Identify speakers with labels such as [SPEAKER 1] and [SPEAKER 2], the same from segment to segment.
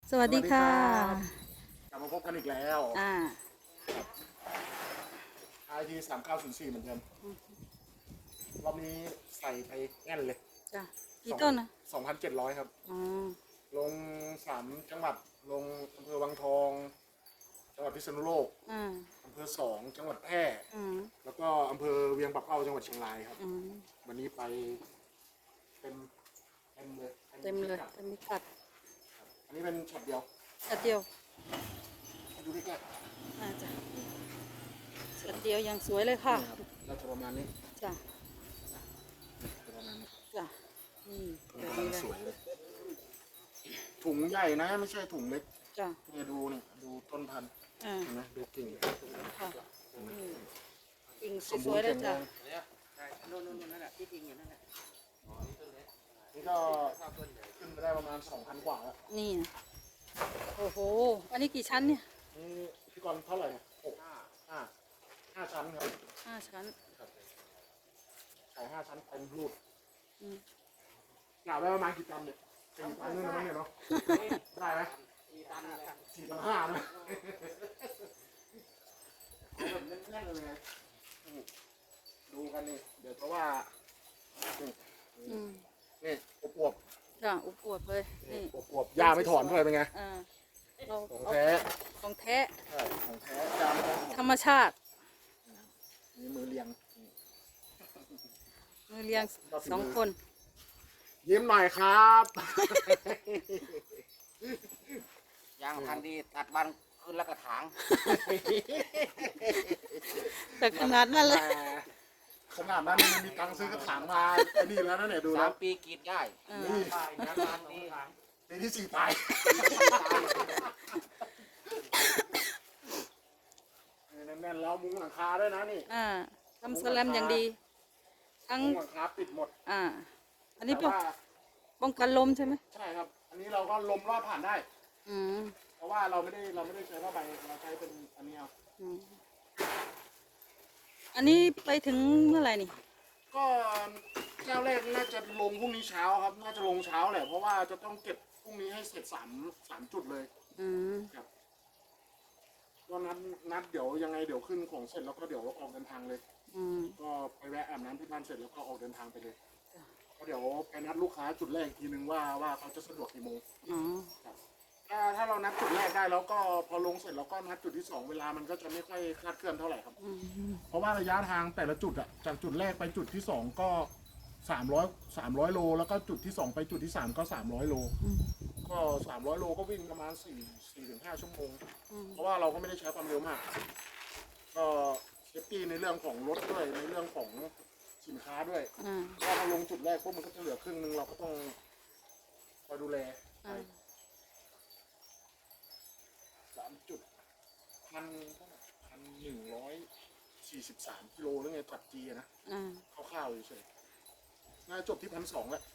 [SPEAKER 1] สวัสดีค่ะ
[SPEAKER 2] กลับมาพบกันอีกแล้ว IT 3904เหมือนเดิมรอบนี้ใส่ไปแน่นเลย
[SPEAKER 1] จ้ะกี่ต้นนะ
[SPEAKER 2] 2,700ครับลง3 จังหวัดลงอำเภอวังทองจังหวัดพิษณุโลกอำเภอ2 จังหวัดแพร่แล้วก็อำเภอเวียงปักเป้าจังหวัดเชียงรายครับวันนี้ไปเต็มเลย
[SPEAKER 1] เต็มพิกัด
[SPEAKER 2] อันนี้เป็นช็อตเดียว ดูใกล้
[SPEAKER 1] จ้ะช็อตเดียวยังสวยเลยค่ะ
[SPEAKER 2] เราจะประมาณนี้
[SPEAKER 1] จ้ะ
[SPEAKER 2] ประมาณนี้
[SPEAKER 1] จ้ะนี่แบบนี้
[SPEAKER 2] สวยเลยถุงใหญ่นะไม่ใช่ถุงเล็ก
[SPEAKER 1] จ้ะ
[SPEAKER 2] เนี่ยดูเนี่ยดูต้นพันธุ์เห็นไหมดูกิ่ง
[SPEAKER 1] ค่ะกิ่งสวยๆเลยจ้ะ
[SPEAKER 2] นั่นแหละที่กิ่งอยู่นั่นแหละนี่ก็ขึ้นไปได้ประมาณ 2,000 กว่าแล้ว
[SPEAKER 1] นี่นะโอ้โหอันนี้กี่ชั้นเนี่ย
[SPEAKER 2] นี่พี่กรณ์เท่าไหร่เนี่ย5 ชั้นครับ
[SPEAKER 1] 5 ชั้น
[SPEAKER 2] ขาย5 ชั้นเต็มรูดกล่าวได้ประมาณกี่ตันเนี่ย4 ตันนู่นนะมั้งเนี่ยเนาะได้ไหม4 ตัน 4.5 นะแบบแน่นๆเลยดูกันนี่เดี๋ยวเพราะว่านี่อวบ
[SPEAKER 1] จ้ะอวบเลยนี่
[SPEAKER 2] อวบยาไม่ถอนด้วยเป็นไงของแท้
[SPEAKER 1] ของแท้
[SPEAKER 2] ของแท้ยาไม่ถอน
[SPEAKER 1] ธรรมชาติ
[SPEAKER 2] มีมือเลี้ยง
[SPEAKER 1] 2 คน
[SPEAKER 2] ยิ้มหน่อยครับ
[SPEAKER 3] ยางพันดีตัดบันขึ้นแล้วกระถาง
[SPEAKER 1] แต่ขนาดนั้นเลย
[SPEAKER 2] ขนาดนั้นมีตังค์ซื้อกระถางมาไอ้นี่แล้วนะเนี่ยดูแล้ว
[SPEAKER 3] 3 ปีกรีดได้
[SPEAKER 2] นี่ปีที่ 4 ตายแน่นๆแล้วมุ้งหลังคาด้วยนะนี่
[SPEAKER 1] ทำสแลมอย่างดีทั้ง
[SPEAKER 2] มุ้งหลังคาปิดหมด
[SPEAKER 1] อันนี้ป้องกันลมใช่ไหม
[SPEAKER 2] ใช่ครับอันนี้เราก็ลมรอดผ่านได้เพราะว่าเราไม่ได้ใช้ผ้าใบเราใช้เป็นอันนี้เอา
[SPEAKER 1] อันนี้ไปถึงเมื่อไหร่นี่
[SPEAKER 2] ก็เจ้าแรกน่าจะลงพรุ่งนี้เช้าครับน่าจะลงเช้าแหละเพราะว่าจะต้องเก็บพรุ่งนี้ให้เสร็จ3 จุดเลยครับก็นัดเดี๋ยวยังไงเดี๋ยวขึ้นของเสร็จแล้วก็เดี๋ยวออกเดินทางเลยก็ไปแวะอาบน้ำที่บ้านเสร็จแล้วก็ออกเดินทางไปเลยก็เดี๋ยวไปนัดลูกค้าจุดแรกทีนึงว่าเขาจะสะดวกกี่โมงครับถ้าเรานัดจุดแรกได้แล้วก็พอลงเสร็จแล้วก็นัดจุดที่2เวลามันก็จะไม่ค่อยคลาดเคลื่อนเท่าไหร่ครับเพราะว่าระยะทางแต่ละจุดอะจากจุดแรกไปจุดที่2ก็300 โลแล้วก็จุดที่2ไปจุดที่3ก็300 โลก็300 โลก็วิ่งประมาณ4-5 ชั่วโมงเพราะว่าเราก็ไม่ได้ใช้ความเร็วมากก็เซฟตี้ในเรื่องของรถด้วยในเรื่องของสินค้าด้วยถ้าเราลงจุดแรกพวกมันก็จะเหลือครึ่งนึงเราก็ต้องคอยดูแล3 จุด1,143 กิโลหรือไงตัดจีนะคร่าวๆอยู่เฉยน่าจบที่1,200แล้ว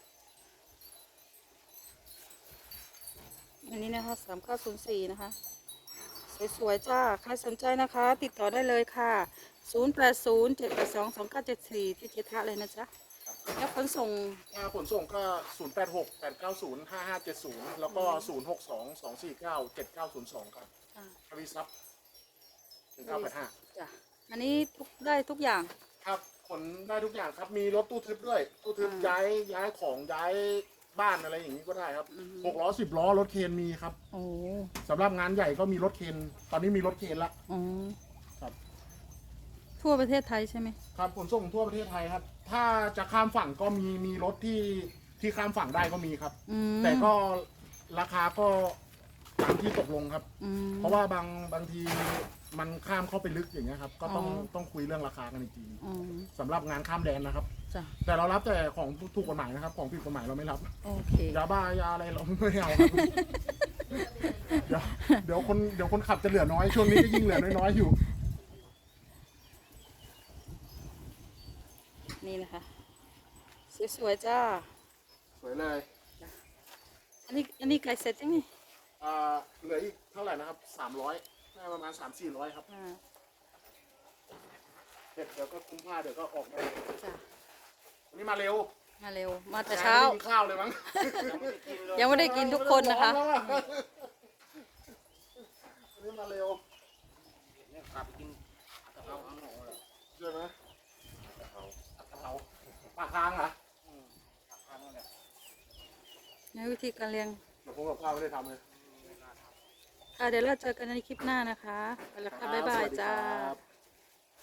[SPEAKER 1] อันนี้นะคะ3904นะคะสวยๆจ้าใครสนใจนะคะติดต่อได้เลยค่ะ0807822974ที่เจทะเลยนะจ๊ะแล้วขนส่ง
[SPEAKER 2] ก็0868905570แล้วก็0622497902ครับทวีซับ1985
[SPEAKER 1] จ้ะอันนี้ได้ทุกอย่าง
[SPEAKER 2] ครับขนได้ทุกอย่างครับมีรถตู้ทึบด้วยตู้ทึบย้ายของย้ายบ้านอะไรอย่างนี้ก็ได้ครับ6 ล้อ 10 ล้อรถเคนมีครับสำหรับงานใหญ่ก็มีรถเคนตอนนี้มีรถเคนละครับ
[SPEAKER 1] ทั่วประเทศไทยใช่ไหม
[SPEAKER 2] ครับขนส่งทั่วประเทศไทยครับถ้าจะข้ามฝั่งก็มีรถที่ข้ามฝั่งได้ก็มีครับแต่ก็ราคาก็ตามที่ตกลงครับเพราะว่าบางทีมันข้ามเข้าไปลึกอย่างเงี้ยครับก็ต้องคุยเรื่องราคากันอีกทีสำหรับงานข้ามแดนนะครับแต่เรารับแต่ของถูกกฎหมายนะครับของผิดกฎหมายเราไม่รับยาบ้ายาอะไรเราไม่เอาครับเดี๋ยวคนขับจะเหลือน้อยช่วงนี้ก็ยิ่งเหลือน้อยอยู่
[SPEAKER 1] นี่นะคะสวยๆจ้า
[SPEAKER 2] สวยเลย
[SPEAKER 1] อันนี้ไก่เสร็จยังไง
[SPEAKER 2] เหลืออีกเท่าไหร่นะครับ300ประมาณ300-400ครับเดี๋ยวก็คุ้มค่าเดี๋ยวก็ออกได้วันนี้มาเร็ว
[SPEAKER 1] มาเร็ว มาแต่เช้า
[SPEAKER 2] ไม่ได้กินข้าวเลยมั้ง
[SPEAKER 1] ยังไม่ได้กินทุกคนนะคะ
[SPEAKER 2] ร้อแล้วออันนี้มาเร็ว
[SPEAKER 3] เนี่ยกลับไปกินกะเพราข้างนอกเลย
[SPEAKER 2] ใช่ไหม
[SPEAKER 3] กะเพราก
[SPEAKER 2] ะเพราปลาค้างเหรอ
[SPEAKER 3] ข้างนอกเลย
[SPEAKER 1] ในวิธีการเลี้ยง
[SPEAKER 2] เดี๋ยวผมกับข้าวไม่ได้ทำเลย
[SPEAKER 1] ค่ะเดี๋ยวเราเจอกันในคลิปหน้านะคะไปแล้วค่ะบ๊ายบายจ้า
[SPEAKER 2] สวัสดีครับ